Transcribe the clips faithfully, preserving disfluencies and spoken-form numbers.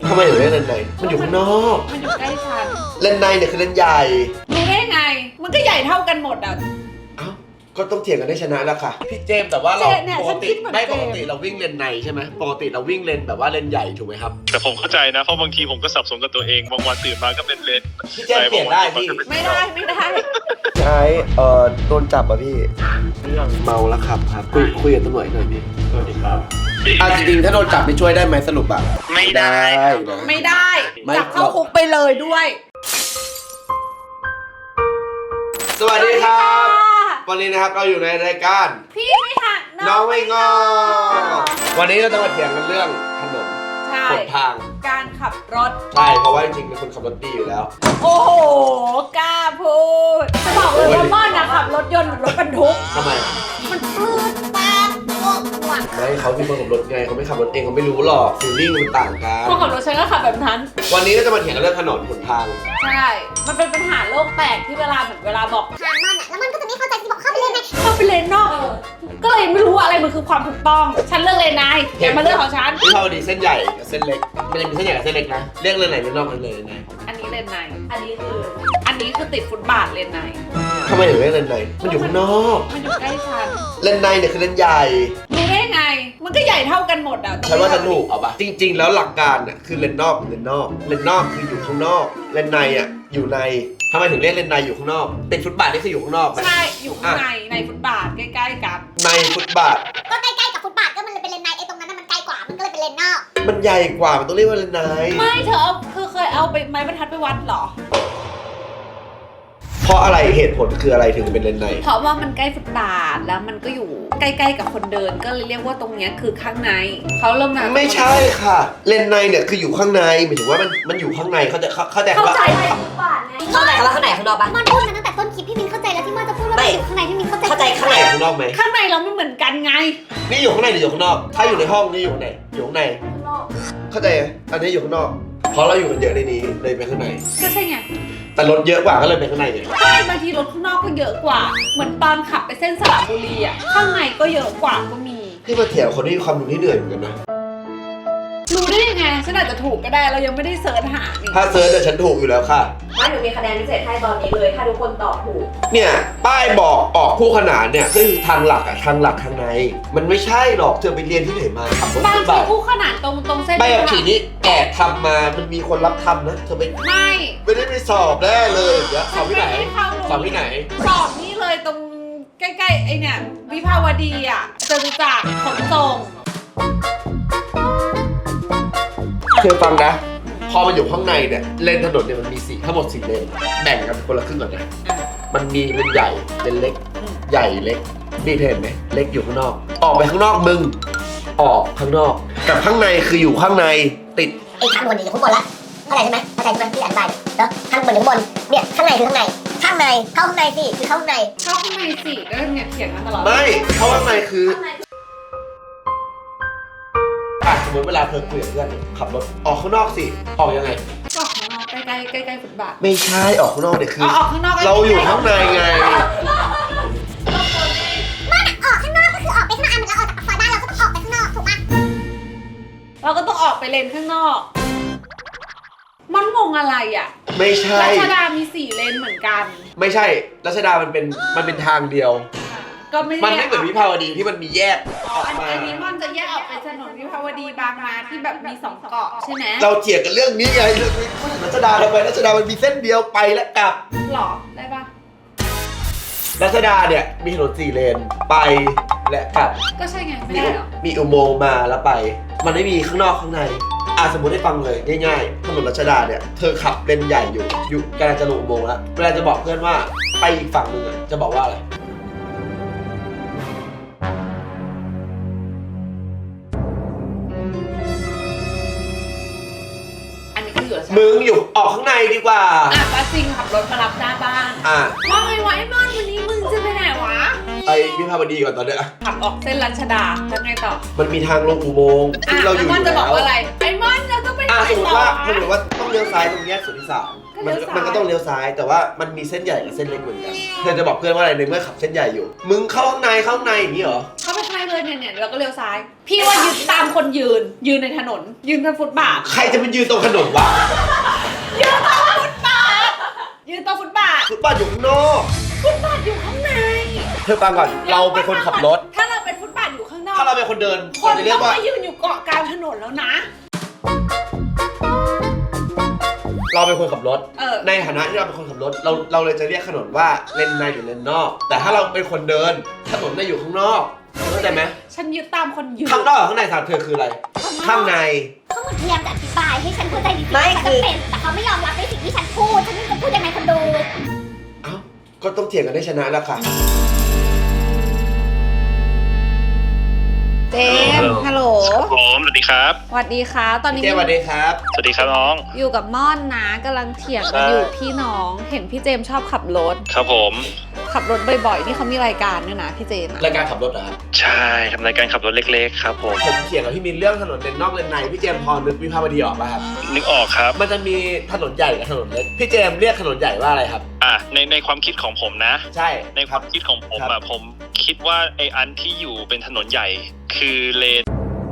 ทำไมถึงเล่นเลนในมันอยู่ข้างนอกมันอยู่ใกล้ฉันเลนในเนี่ยคือเลนใหญ่รู้ได้ไงมันก็ใหญ่เท่ากันหมดอ่ะเอ้าก็ต้องเถียงกันได้ชนะแล้วค่ะพี่เจมแต่ว่าเราปกติไม่ปกติเราวิ่งเลนในใช่ไหมปกติเราวิ่งเลนแบบว่าเลนใหญ่ถูกไหมครับแต่ผมเข้าใจนะเพราะบางทีผมก็สับสนกับตัวเองบางวันตื่นมาก็เป็นเลนพี่เจมเปลี่ยนได้พี่ไม่ได้ไม่ได้ใช่เอ่อโดนจับอ่ะพี่เรื่องเมาแล้วขับครับคุยคุยกับตำรวจหน่อยพี่สวัสดีครับอ่ะจริงๆถ้าโดนจับไม่ช่วยได้ไหมสรุปอ่ะไม่ได้ไม่ได้จับเข้าคุกไปเลยด้วยสวัสดีครับวันนี้นะครับเราอยู่ในรายการพี่ไม่หักน้องไม่งอวันนี้เราจะมาเถียงกันเรื่องถนนหนทางการขับรถใช่เพราะว่าจริงๆเป็นคนขับรถดีอยู่แล้วโอ้โหกล้าพูดจะบอกเลยว่าม่อนนะขับรถยนต์เหมือนรถบรรทุกทำไมมันปลื้มปากโอ้หวังไม่เขาเป็นคนขับรถไงเขาไม่ขับรถเองเขาไม่รู้หรอกฟีลลิ่งมันต่างกันคนขับรถฉันก็ขับแบบนั้นวันนี้เราจะมาเถียงกันเรื่องถนนหนทางใช่มันเป็นปัญหาโลกแตกที่เวลาเหมือนเวลาบอกทางมันอ่ะแล้วมันก็จะไม่เข้าใจที่บอกเข้าไปเลนในเข้าไปเลนนอกก็เลยไม่รู้ว่าอะไรมันคือความถูกต้องฉันเลือกเลนในแกมาเลือกของฉันที่เขาดีเส้นใหญ่กับเส้นเล็กมันจะมีเส้นใหญ่กับเส้นเล็กนะเรียกเลนไหนเลนนอกเลนเลยไหนอันนี้เลนในอันนี้คืออันนี้คือติดฟุตบาทเลนในทำไมถึงเรียกเลนในมันอยู่ข้างนอกมันอยู่ใกล้ฉันเลนในเนี่ยคือเลนใหญ่รู้ได้ไงมันก็ใหญ่เท่ากันหมดอ่ะฉันว่าฉันถูกเอาปะจริงๆแล้วหลักการน่ะคือเลนนอกเลนนอกเลนนอกคืออยู่ข้างนอกเลนในอ่ะอยู่ในทำไมถึงเรียกเลนในอยู่ข้างนอกติดฟุตบาทนี่คืออยู่ข้างนอกใช่อยู่ข้างในในฟุตบาทใกล้ๆกันในฟุตบาทก็ใกล้ๆกับฟุตบาทก็มันเลยเป็นเลนในไอ้ตรงนั้นมันใกล้กว่ามันก็เลยเป็นเลนนอกมันใหญ่กว่ามันต้องเรียกว่าเลนในไม่เธอเอาคือเคยเอาไปไม้บรรทัดไปวัดหรอเพราะอะไรเหตุผลคืออะไรถึงเป็นเลนในเพราะว่ามันใกล้ฟุตบาทแล้วมันก็อยู่ใกล้ๆกับคนเดินก็เลยเรียกว่าตรงนี้คือข้างในเขาเริ่มมาไม่ใช่ค่ะเลนในเนี่ยคืออยู่ข้างในหมายถึงว่ามันมันอยู่ข้างในเขาจะเข้าใจเข้าใจฟุตบาทไงเข้าใจว่าข้างในข้างนอกปะมันพูดมาตั้งแต่ต้นคลิปพี่มินเข้าใจแล้วที่มันจะพูดว่าอยู่ข้างในพี่มินเข้าใจเข้าใจข้างในข้างนอกไหมข้างในเราไม่เหมือนกันไงนี่อยู่ข้างในหรืออยู่ข้างนอกถ้าอยู่ในห้องนี่อยู่ข้างในอยู่ข้างในเข้าใจอันนี้อยู่ข้างนอกเพราะเราอยู่กันเยอะในนี้เลยไปข้างในก็ใช่ไงแต่รถเยอะกว่าก็เลยไปข้างในไงใช่บางทีรถข้างนอกก็เยอะกว่าเหมือนตอนขับไปเส้นสระบุรีอ่ะข้างในก็เยอะกว่าก็มีที่มาเถียงคนที่มีความรู้ที่เหนื่อยเหมือนกันนะรู้ได้ยังไงฉันอาจจะถูกก็ได้เรายังไม่ได้เสิร์ชหาถ้าเสิร์ชแต่ฉันถูกอยู่แล้วค่ะว่าหนูมีคะแนนพิเศษให้ตอนนี้เลยถ้าทุกคนตอบถูกเนี่ยป้ายบอกออกคู่ขนานเนี่ยซึ่งทางหลักอะทางหลักทางในมันไม่ใช่หรอกเธอไปเรียนที่ไหนมาขับรถบางทีคู่ขนานตรงตรงเส้นใบขับขี่นี้แอบทำมามันมีคนรับทำนะเธอไปไม่ไม่ได้ไปสอบแน่เลยเดี๋ยวสอบที่ไหนสอบที่ไหนสอบนี่เลยตรงใกล้ๆไอเนี่ยวิภาวดีอ่ะจตุจักรขนส่งเธอฟังนะพอมันอยู่ข้างในเนี่ยเลนถนนเนี่ยมันมีสี่ทั้งหมดสี่เลนแบ่งกันคนละครึ่งก่อนนะมันมีเลนใหญ่เลนเล็กใหญ่เล็กนี่เห็นไหมเล็กอยู่ข้างนอกออกไปข้างนอกมึงออกข้างนอกกับข้างในคืออยู่ข้างในติดไอ้ข้างบนอยู่ข้างบนละเข้าใจใช่ไหมเข้าใจใช่ไหมที่อธิบายแล้วข้างบนอยู่ข้างบนเนี่ยข้างในคือข้างในข้างในเข้าข้างในสิคือเข้าข้างในเข้าข้างในสิก็เนี่ยเขียนมาตลอดไม่เข้าข้างในคือสมมติเวลาเธอคุยกับเพื่อนขับรถออกข้างนอกสิออกยังไงออกข้างนอกใกล้ใกล้ใกล้ใกล้ฟุตบาทไม่ใช่ออกข้างนอกเนี่ยคือออกข้างนอกเราอยู่ข้างในไงไม่ออกข้างนอกก็คือออกไปข้างนอกเหมือนเราออกจากปากซอยบ้านเราก็ต้องออกไปข้างนอกถูกปะเราก็ต้องออกไปเลนข้างนอกมันงงอะไรอ่ะไม่ใช่รัชดามีสี่เลนเหมือนกันไม่ใช่รัชดามันเป็นมันเป็นทางเดียวก็ไม่มันไม่เหมือนวิภาวดีที่มันมีแยกออกมาอันนี้มันจะแยกออกเป็นถนนวิภาวดีบางนาที่แบบมีสองเกาะใช่ไหมเราเถียงกันเรื่องนี้ไงเรื่องรัชดาทำไมรัชดามันมีเส้นเดียวไปและกลับหรอได้ปะรัชดาเนี่ยมีถนนสี่เลนไปและกลับก็ใช่ไงไม่ได้หรอมีอุโมงค์มาแล้วไปมันไม่มีข้างนอกข้างในอ่ะสมมติให้ฟังเลยง่ายๆถนนรัชดาเนี่ยเธอขับเลนใหญ่อยู่อยู่กำลังจะลงอุโมงค์แล้วเวลาจะบอกเพื่อนว่าไปอีกฝั่งนึงอ่ะจะบอกว่าอะไรมึงอยู่ออกข้างในดีกว่าอ่ะป้าซิงขับรถมารับหน้าบ้านอ่ะว่าไงวะไอ้มอนวันนี้มึงจะไปไหนวะไปวิภาวดีก่อนตอนเนี้ยขับออกเส้นรัชดาแล้วไงต่อมันมีทางลงอุโมงค์ที่เราอยู่อยู่แล้วจะบอกว่าอะไรไอ้มอนเราต้องไปไหนต่อสมมติว่าสมมติว่าต้องเลี้ยวซ้ายตรงแยกสุทธิสารมันมันก็ต้องเลี้ยวซ้ายแต่ว่ามันมีเส้นใหญ่กับเส้นเล็กเหมือนกันเธอจะบอกเพื่อนว่าอะไรในเมื่อขับเส้นใหญ่อยู่มึงเข้าข้างในเข้าข้างในอย่างนี้เหรอเข้าไปข้างในเลยเนี่ยเนี่ยแล้วก็เลี้ยวซ้าย พี่ว่ายืนตามคนยืน ยืนในถนน ยืนบนฟุตบาทใครจะไปยืนตรงถนนวะยืนตรงฟุตบาท ยืนตรงฟุตบาทฟุตบาทอยู่ข้างนอกฟุตบาทอยู่ข้างในเธอฟังก่อนเราเป็นคนขับรถถ้าเราเป็นฟุตบาทอยู่ข้างนอกถ้าเราเป็นคนเดินคนเราจะเรียต้กองว่ามายืนอยู่เกาะกลางถนนแล้วนะเราเป็นคนขับรถเออในฐานะที่เราเป็นคนขับรถเราเราเลยจะเรียกถนนว่าเลนในหรือเลนนอก แต่ถ้าเราเป็นคนเดินถนนจะอยู่ข้างนอกเข้าใจไหมฉันยึดตามคนยืนข้างนอกกับข้างในสามเธอคืออะไร ข้างในเขาเหมือนพยายามจะอธิบายให้ฉันเข้าใจดีๆไม่ฉันคือจะเป็นแต่เขาไม่ยอมรับในสิ่งที่ฉันพูดฉันจะพูดยังไงคนดูเอ้าก็ต้องเถียงกันได้ชนะแล้วค่ะเจมส์ฮัลโหลครับผมสวัสดีครับสวัสดีค่ะ ตอนนี้เจมส์สวัสดีครับสวัสดีครับน้องอยู่กับม่อนนะกำลังเถียงกันอยู่พี่น้อง เห็นพี่เจมส์ชอบขับรถครับผมขับรถบ่อยๆ ที่เขามีรายการด้วยนะพี่เจมส์อะรายการขับรถเหรอครับใช่ทำรายการขับรถเล็กๆครับผมผมเถียงกับพี่มินเรื่องถนนเลนนอกเลนในพี่เจมส์พอนึกวิภาวดีออกป่ะครับนึกออกครับมันจะมีถนนใหญ่กับถนนเล็กพี่เจมส์เรียกถนนใหญ่ว่าอะไรครับอ่ะในในความคิดของผมนะใช่ในความคิดของผมครัอ่ะบผมคิดว่าไออันที่อยู่เป็นถนนใหญ่ คือเลน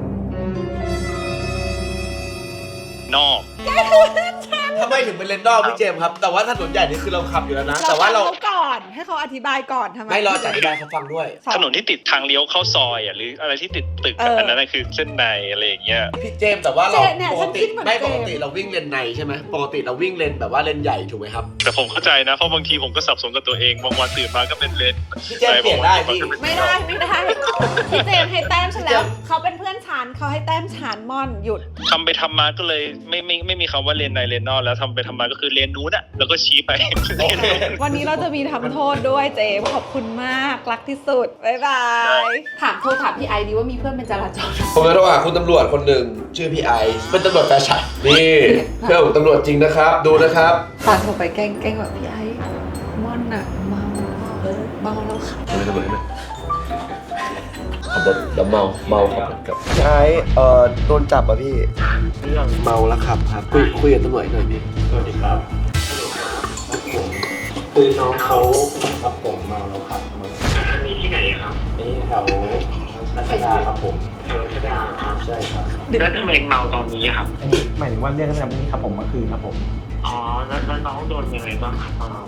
นอกทำไมถึงเป็นเลนนอกพี่เจมส์ครับ แต่ว่าถนนใหญ่นี่คือเราขับอยู่แล้วนะ แต่ว่าเราฟังเขาก่อนให้เขาอธิบายก่อนทำไมไม่รอจัดอธิบายเขาฟังด้วยถนนที่ติดทางเลี้ยวเข้าซอยอ่ะหรืออะไรที่ติดตึกเออะออัอันนั้นนะคือเส้นในอะไรอย่างเงี้ยพี่เจมส์แต่ว่าเราเจเนี่ยปฉักนติคิดเหมือนไม่เจปมกติเราวิ่งเลนในใช่ไหมปกติเราวิ่งเลนแบบว่าเลนใหญ่ถูกไหมครับแต่ผมเข้าใจนะเพราะบางทีผมก็สับสนกับตัวเองบางวันตื่นมาก็เป็นเลนพี่เจมส์เปลี่ยนได้พี่ไม่ได้ไม่ได้พี่เจมส์ให้แต้มฉันแล้วเขาเป็นเพื่อนฉันเขาให้แต้มฉันม่อนหยุดทำไปทำมาก็เลยไม่ไม่ไม่มีคำว่าเลนในเลนนอกแล้วทำไปทำมาก็คือเลนนู้นอะแล้วก็ชี้ไปวันนี้เราจะมีทำโทษด้วยเจมส์ขอบคุณมากรักที่สุดบ๊ายบายถามโทรถามพี่ไอดีว่ามีเพื่อนเป็นจราจรผมจะโทรหาคุณตำรวจคนหนึ่งชื่อพี่ไอซ์เป็นตำรวจแฟชั่นนี่เพื่อนผมตำรวจจริงนะครับ ดูนะครับตอนโทรไปแกล้งแกล้งแบบพี่ไอ้ม่อนอะเมาเออเมาแล้วค่ะไม่ตำรวจไหมขับรถแล้วเมาเมาขับรถกับพี่ไอซ์เอ่อโดนจับอ่ะพี่เรื่องเมาแล้วขับครับคุยคุยกับตำรวจหน่อยพี่สวัสดีครับผมคือน้องเขาครับผมเมาแล้วครับมามีที่ไหนครับนี่แถวรัชดาครับผมแถวรัชดาครับใช่ครับแล้วทำไมเมาตอนนี้ครับอันนี้หมายถึงว่าเรื่องตั้งแต่นี้ครับผมเมื่อคืนครับผมอ๋อ แล้วแล้วน้องโดนยังไงบ้างครับตอนเมา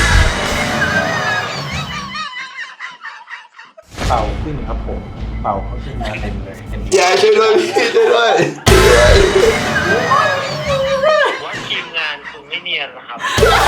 เป่าขึ้นครับผมเป่าเขาขึ้นมาเต็มเลยเต็มพี่ไอซ์ช่วยด้วยพี่ช่วยด้วยช่วยด้วยว่าทีมงานคุณไม่เนียนนะครับ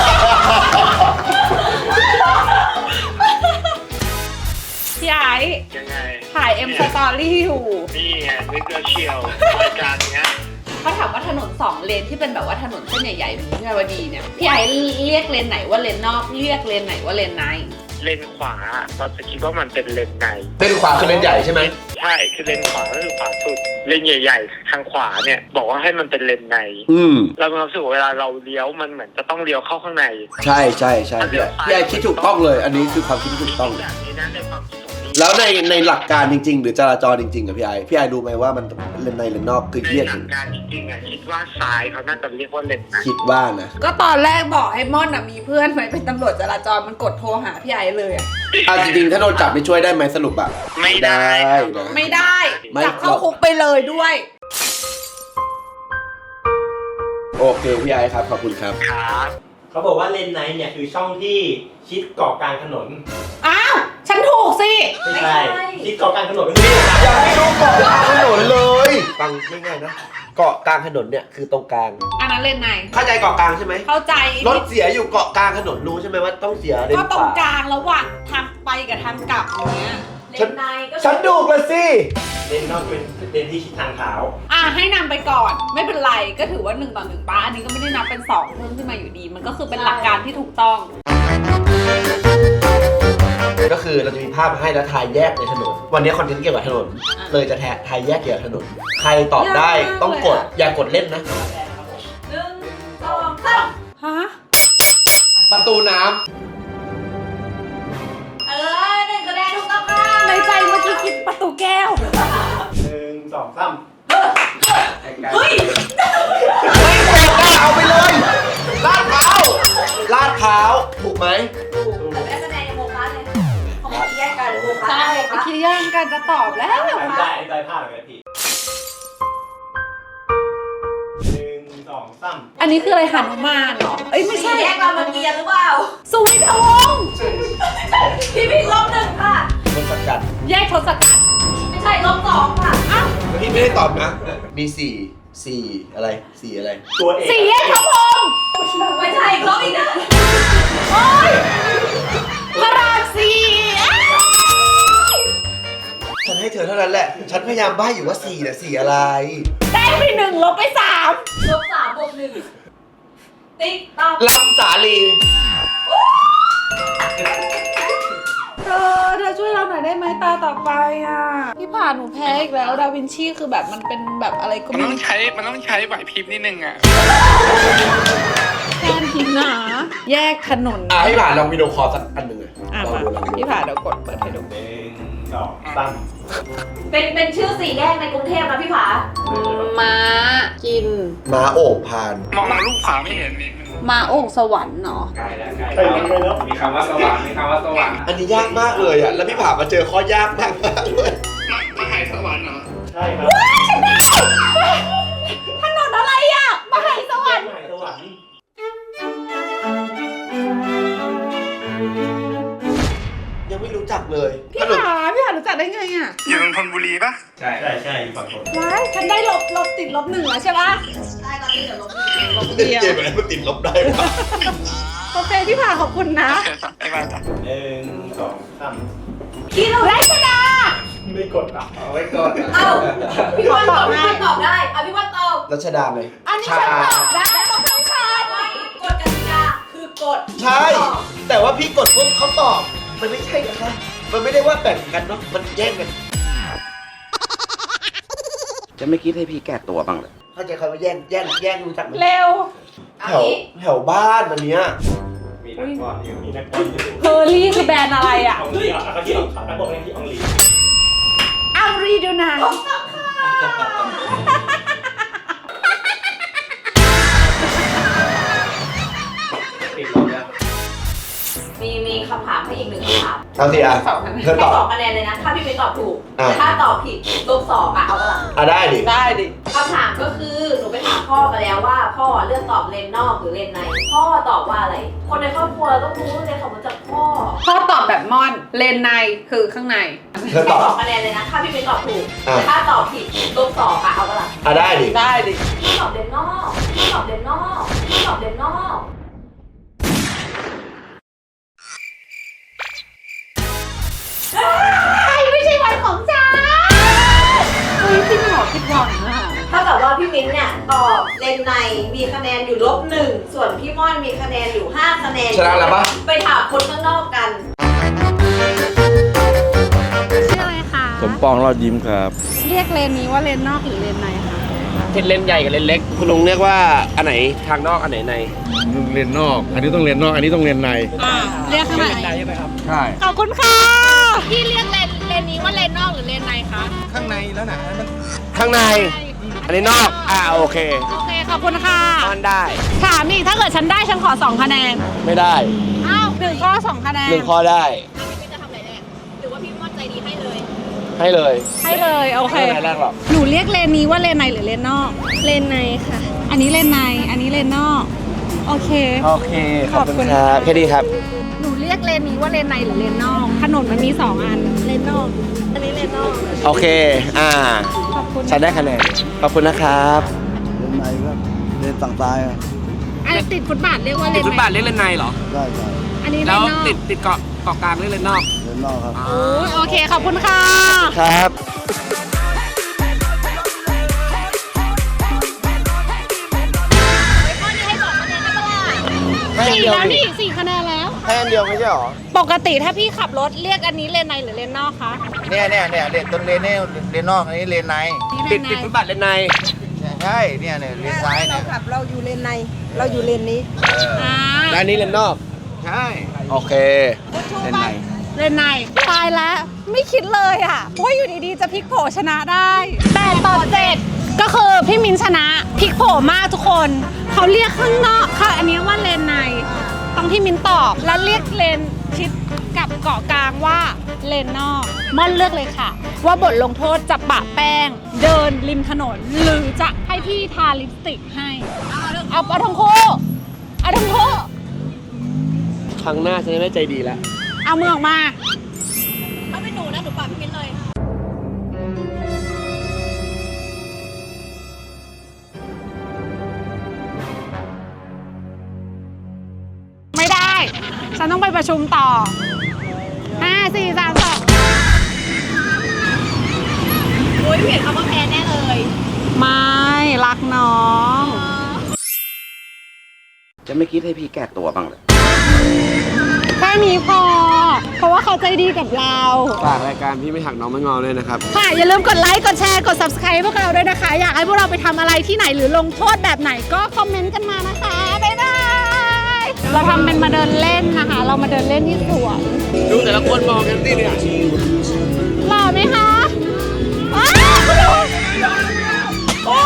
พี่ไอ้ยังไงถ่ายเอ็มสตอรี่อยู่นี่ไงนึกว่าเชียวรายการเนี้ยเขาถามว่าถนนสองเลนที่เป็นแบบว่าถนนเส้นใหญ่ๆแบบวิภาวดีเนี่ยพี่ไอ้เรียกเลนไหนว่าเลนนอกเรียกเลนไหนว่าเลนในเลนขวาเราจะคิดว่ามันเป็นเลนในเลนขวาคือเลนใหญ่ใช่ไหมใช่คือเลนขวาก็คือขวาสุด เลนใหญ่ ๆ ทางขวาเนี่ย บอกว่าให้มันเป็นเลนในอืมเรามีความรู้สึกว่าเวลาเราเลี้ยวมันเหมือนจะต้องเลี้ยวเข้าข้างในใช่ใช่ใช่พี่ไอซ์พี่ไอซ์คิดถูกต้องเลย อันนี้คือความคิดที่ถูกต้องแบบนี้นะในความคิดของพี่แล้วในในหลักการจริง ๆ หรือจราจรจริงๆกับพี่ไอซ์พี่ไอซ์รู้ไหมว่ามันเลนในเลนนอกคือในเรียกหลัถึกงการจริงๆอ่ะคิดว่าซ้ายเขาน่าจะเรียกว่าเลนในคิดว่านะก็ตอนแรกบอกให้ม่อนอะมีเพื่อนไหมเป็นตำรวจจราจรมันกดโทรหาพี่ไอ้เลยอะอ่ะจริงๆถ้าโดนจับไม่ช่วยได้ไหมสรุปอะไม่ได้นะไม่ได้ไม่จับเข้าคุกไปเลยด้วยโอเคพี่ไอซ์ครับขอบคุณครับครับเขาบอกว่าเลนไนท์เนี่ยคือช่องที่ชิดเกาะกลางถนนอ้าวฉันถูกสิไม่ใช่ชิดเกาะกลางถนนไม่ใช่ยังไม่รู้เกาะกลางถนนเลยฟังง่ายๆนะเกาะกลางถนนเนี่ยคือตรงกลางอันนั้นเลนในเข้าใจเกาะกลางใช่ไหมเข้าใจรถเสียอยู่เกาะกลางถนนรู้ใช่ไหมว่าต้องเสียเลนก็ขตรงวากลางระหว่างทางไปกับทางกลับอย่างเงี้ยเลนในก็ฉันดูกเลยสิเลนนอกเป็นเลนที่ชิดทางเท้าอ่ะให้นำไปก่อนไม่เป็นไรก็ถือว่าหนึ่งต่อหนึ่งป้าอันนี้ก็ไม่ได้นับเป็นสองเพิ่มขึ้นมาอยู่ดี มันก็คือเป็นหลักการที่ถูกต้องก็คือเราจะมีภาพมาให้แล้วทายแยกในถนน วันนี้คอนเทนต์เกี่ยวกับถนนอ่ะเลยจะแททายแยกเกี่ยวกับถนน ใครตอบได้ยากมากต้องกดเลยอะอย่ากดเล่นนะหนึ่งสองสามฮะประตูน้เออหนึ่งคะแนนถูกต้องค่ะในใจเมื่อกี้คิดประตูแก้วหนึ่งสองสามเฮ้ยำไม่กดเอาไปเลยลาดเท้าไหมแต่ได้คะแนนยังโมคะเลยเขาไม่แยกกันโมคะใช่เมื่อกี้ย่างกันจะตอบแล้วได้ได้พลาดเลยพี่หนึ่งสองสามอันนี้คืออะไรหนุมานเหรอ เอ้ยไม่ใช่แยกรามเกียรติ์หรือเปล่าสุวิทวงศ์พี่พี่ลบหนึ่งค่ะทศกัณฐ์แยกทศกัณฐ์ไม่ใช่ลบสองค่ะอ้าวพี่ไม่ได้ตอบนะ มีสี่สี่อะไรสี่อะไรตัวเอกสี่แยกพระพรหมไม่ใช่ลบอีกนะโอ้ยพระรามสี่อ้าวฉันให้เธอเท่านั้นแหละ ฉันพยายามใบ้อยู่ว่าสี่น่ะสี่อะไรได้ไปหนึ่งลบไปสามลบสามบวกหนึ่งติ๊กต๊อกลำสาลีเธอเธอช่วยเราหน่อยได้ไหมตาต่อไปอ่ะพี่ผ่านหนูแพ้อีกแล้วดาวินชีคือแบบมันเป็นแบบอะไรก็มันไม่ต้องรู้ใช้มันต้องใช้ไหวพริบนิดนึงอ่ะแทนพิมพ์หนาแยกถนนอ่ะให้ผ่านลองวิดีโอคอลสักอันหนึ่งเลยอ่ะลองมาดูลองดูพี่ผ่านเดี๋ยวกดเปิดให้ดูหนึ่งสองสามเป็นเป็นชื่อสี่แยกในกรุงเทพนะพี่ผาม้ากินม้าโอ่งพานมองมองรูปขวาไม่เห็นนี่ม้าโอ่งสวรรค์เนาะใกล้แล้วใกล้แล้วมีคำว่าสว่างมีคำว่าสว่างอันนี้ยากมากเลยอ่ะ แล้วพี่ผ่ามาเจอข้อยากมากมากเลยมาหายสวรรค์เหรอใช่ครับถนนอะไรอ่ะมหาสวรรค์มหาสวรรค์ยังไม่รู้จักเลยพี่ถนนผ่าพี่ผ่ารู้จักได้ไงอ่ะอยู่นนทบุรีปะใช่ใช่ใช่อยู่ฝั่งทนว้ายฉันได้ลบลบติดลบหนึ่งแล้วใช่ปะใช่ตอนนี้เดี๋ยวลบหนึ่งลบเดียวเกมอะไรมันติดลบได้ปะโอเคพี่ผ่าขอบคุณนะโอเคจ้ะบ๊ายบายจ้ะหนึ่งสองสามพี่เรารัชดาไม่กดอ่ะเอาไว้ก่อนเอ้าพี่วันตอบพี่วันตอบได้อ่ะพี่วันตอบรัชดาไหมอันนี้ฉันตอบได้ต้องทำคานไม่กฎกติกาคือกฎใช่ แต่ว่าพี่กดปุ๊บเขาตอบ มันไม่ใช่นะคะ มันไม่ได้ว่าแบ่งกันเนาะ มันแย่งกันจะไม่คิดให้พี่แก้ตัวบ้างเลยเข้าใจคำว่าแย่ง แย่ง แย่งรู้จักไหมเร็วเอาแถวงี้แถวบ้านอันเนี้ยมีนักบอลอยู่มีนักบอลอยู่เพอร์ลี่คือแบรนด์อะไรอ่ะอองลีอ่ะเขาที่อองนักบอลเล่นที่อองลีอังรีดูนะติดลบแล้วมีมีคำถามให้อีกหนึ่งคำถามเอาสิอ่ะสองคะแนนเธอให้ตอบสองคะแนนเลยนะ ถ้าพี่ไม่ตอบถูกอ่ะแต่ถ้าตอบผิดลบสองอ่ะเอาละอ่ะได้ดิได้ดิคำถามก็คือหนูไปถามพ่อมาแล้วว่า พ่อเลือกตอบเลนนอกหรือเลนใน พ่อตอบว่าอะไร คนในครอบครัวต้องรู้เลยเขามาจากพ่อพ่อตอบแบบม่อน เลนในคือข้างในเธอตให้อบสองคะแนนเลยนะ ถ้าพี่ไม่ตอบถูกอ่ะแต่ถ้าตอบผิดลบสองอ่ะเอาละอ่ะได้ดิได้ดิพี่ตอบเลนนอกพี่ตอบเลนนอกพี่ตอบเลนนอกไม่ใช่วันของฉันเฮ้ยพี่หมอผิดหวังอ่ะถ้ากับว่าพี่มิ้นท์เนี่ยตอบเลนในมีคะแนนอยู่ลบหนึ่งส่วนพี่ม่อนมีคะแนนอยู่ห้าคะแนนชนะแล้วปะไปถามคนข้างนอกกันชื่ออะไรคะสมปองรอดยิ้มครับเรียกเลนนี้ว่าเลนนอกหรือเลนในคะเป็นเลนใหญ่กับเลนเล็ก คุณลุงเรียกว่าอันไหนทางนอกอันไหนในเรียนนอก อันนี้ต้องเรียนนอก อันนี้ต้องเรียนในอ่าเรียกข้างในใช่ขอบคุณค่ะพี่เรียกเลนเลนนี้ว่าเลนนอกหรือเลนในคะข้างในแล้วนะมันข้างใน อันนี้นอก อ่าโอเคโอเคขอบคุณค่ะนอนได้ถามอีกถ้าเกิดฉันได้ฉันขอสองคะแนนไม่ได้อ้าวหนึ่งข้อสองคะแนนหนึ่งข้อได้พี่จะทำอะไรแรกหรือว่าพี่ม่อนใจดีให้เลยให้เลยให้เลยโอเคไม่เป็นไรแรกหรอกหนูเรียกเลนนี้ว่าเลนในหรือเลนนอก เลนในค่ะ อันนี้เลนใน อันนี้เลนนอก โอเคโอเค ขอบคุณขอบคุณครับ แค่นี้ครับหนูเรียกเลนนี้ว่าเลนในหรือเลนนอก ถนนมันมีสองอัน เลนนอก อันนี้เลนนอกโอเค อ่าขอบคุณฉันได้คะแนน ขอบคุณนะครับเรียนในก็เรียนต่างตายอ่ะอันติดฟุตบาทเรียกว่าเลติดนฟุตในบาทเรียกเลนในเหรอได้ใช่อันนี้เลแล้นวนอกติดติดเกาะเกาะกลางเรียกเลนนอกเรียนนอกครับโอ้ยโอเค ขอบคุณค่ะครับ ให้อันสี่เดียวแล้วนี่นี่สี่คะแนนแล้วให้อันเดียวไม่ใช่เหรอปกติถ้าพี่ขับรถเรียกอันนี้เลนในหรือเลนนอกคะเนี่ยเนี่ยเนี่ยเลนต้นเลนเนี่ยเลนนอกอันนี้เลนในติดติดฟุตบาทเลนในใช่เนี่ยเนี่ยเลนซ้ายเนี่ยเราอยู่เลนใน เราอยู่เลนนี้อ่าและอันนี้เลนนอกใช่โอเค เลนในเลนในตายแล้ว ไม่คิดเลยอ่ะว่าอยู่ดีๆจะพลิกโผชนะได้แปดต่อเจ็ดก็คือพี่มินชนะพลิกโผมากทุกคน เขาเรียกข้างนอกค่ะอันนี้ว่าเลนในต้องที่มินตอบแล้วเรียกเลนชิดกับเกาะกลางว่าเลนนอกม่อนเลือกเลยค่ะ ว่าบทลงโทษจะปะแป้ง เดินริมถนน หรือจะให้พี่ทาลิปสติกให้ เอาเอาทั้งคู่เอาทั้งคู่ครั้งหน้าฉันจะไม่ใจดีแล้วเอามือออกมาถ้าเป็นหนูนะหนูปาพี่มิ้นเลยไม่ได้ ฉันต้องไปประชุมต่อห้าสี่สามสองโอ้ยเห็นคำว่าแพ้แน่เลยไม่รักน้องจะไม่คิดให้พี่แก้ตัวบ้างเลยแค่นี้พอ เพราะว่าเขาใจดีกับเราฝากรายการพี่ไม่หักน้องไม่งอด้วยนะครับค่ะ อย่าลืมกดไลค์ กดแชร์ กด Subscribe พวกเราด้วยนะคะ อยากให้พวกเราไปทำอะไรที่ไหนหรือลงโทษแบบไหนก็คอมเมนต์กันมานะคะ บ๊ายบาย เราทำเป็นมาเดินเล่นนะคะ เรามาเดินเล่นที่สวนดูแต่ละคนมองกันสิเนี่ยหล่อไหมคะอ้าวโอ้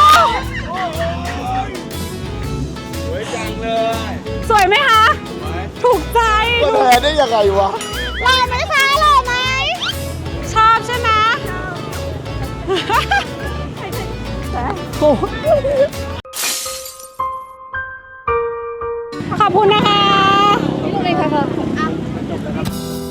สวยจังเลยสวยไหมคะ ถูกใจก็แพ้ได้ยังไงวะหล่อไหมคะหล่อไหม ชอบใช่ไหมโอ้ขอบคุณนะคะพี่ลูกเองค่ะ